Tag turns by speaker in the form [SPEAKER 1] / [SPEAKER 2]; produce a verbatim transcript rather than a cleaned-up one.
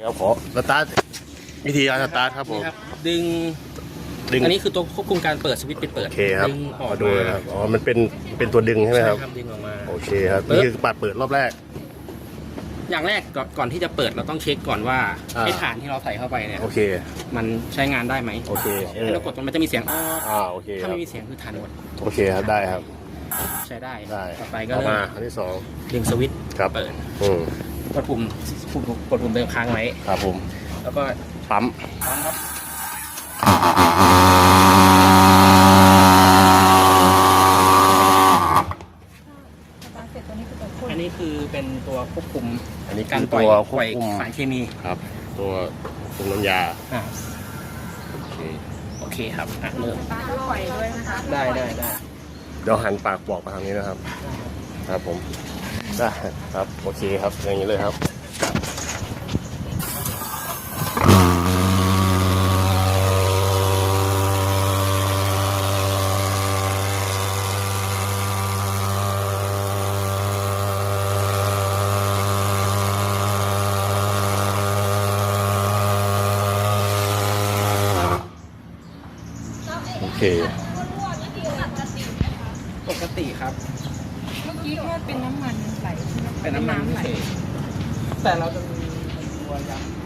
[SPEAKER 1] ครับขอสตาร์ทวิธีการสตาร์ทครับผม
[SPEAKER 2] ดึง
[SPEAKER 1] ดึง
[SPEAKER 2] อันนี้คือตัวควบคุมการเปิดสวิตช์ปิดเปิด
[SPEAKER 1] โอเคครับ
[SPEAKER 2] ดึงออก
[SPEAKER 1] ดู
[SPEAKER 2] มา
[SPEAKER 1] ครับอ๋อมันเป็นเป็นตัวดึงใช่ไหมครับ
[SPEAKER 2] ดึงออกมา
[SPEAKER 1] โอเคครับนี่คือปัดเปิดรอบแรก
[SPEAKER 2] อย่างแรกก่อนก่อนที่จะเปิดเราต้องเช็คก่อนว่า
[SPEAKER 1] อ่า
[SPEAKER 2] ไอ้ฐานที่เราใส่เข้าไปเนี่ย
[SPEAKER 1] โอเค
[SPEAKER 2] มันใช้งานได้ไหม
[SPEAKER 1] โอเคเออ
[SPEAKER 2] ให้เรากดมันจะมีเสียงอ้อ
[SPEAKER 1] อ่าโอเคค
[SPEAKER 2] ถ้า
[SPEAKER 1] รับ
[SPEAKER 2] ไม่มีเสียงคือฐานหมด
[SPEAKER 1] โอเคครับได้ครับ
[SPEAKER 2] ใช้ได้
[SPEAKER 1] ได้
[SPEAKER 2] ต่อไปก็
[SPEAKER 1] ต่อ
[SPEAKER 2] เริ่
[SPEAKER 1] มาม อันที่สอง
[SPEAKER 2] ดึงสวิตช์
[SPEAKER 1] ครับ
[SPEAKER 2] เปิด
[SPEAKER 1] อืม
[SPEAKER 2] กดปุ่มปุ่มกดปุ่มเดิมค้างไว้
[SPEAKER 1] ครับผม
[SPEAKER 2] แล้วก็
[SPEAKER 1] ปั๊ม
[SPEAKER 2] ปั๊มครับอันนี้คือเป็นตัวควบคุม
[SPEAKER 1] อันนี้
[SPEAKER 2] การ
[SPEAKER 1] คือ
[SPEAKER 2] ปล่
[SPEAKER 1] ตั
[SPEAKER 2] อยว
[SPEAKER 1] คว
[SPEAKER 2] ป
[SPEAKER 1] บ
[SPEAKER 2] ล่อย
[SPEAKER 1] คุม
[SPEAKER 2] สารเคมี
[SPEAKER 1] ครับ ตัวควบคุมน้ำยา
[SPEAKER 2] อ่า
[SPEAKER 1] โอเค
[SPEAKER 2] โอเคครับอ่ะเริ่ม
[SPEAKER 3] ปล่อยด้วยนะคะ
[SPEAKER 2] ได้ได้ได้
[SPEAKER 1] เดี๋ยวหันปากบอกมาทางนี้นะครับ ครับผมได้ครับโอเคครับอย่างนี้เลยครับโอเค
[SPEAKER 2] ปกติครับ
[SPEAKER 3] เมื่อกี้แค่เป็นน้ำมันไหลใช่ไหม
[SPEAKER 2] เป็นน้ำมัน
[SPEAKER 3] ไหล
[SPEAKER 2] เฉยแต่เราจะมีตัวยักษ์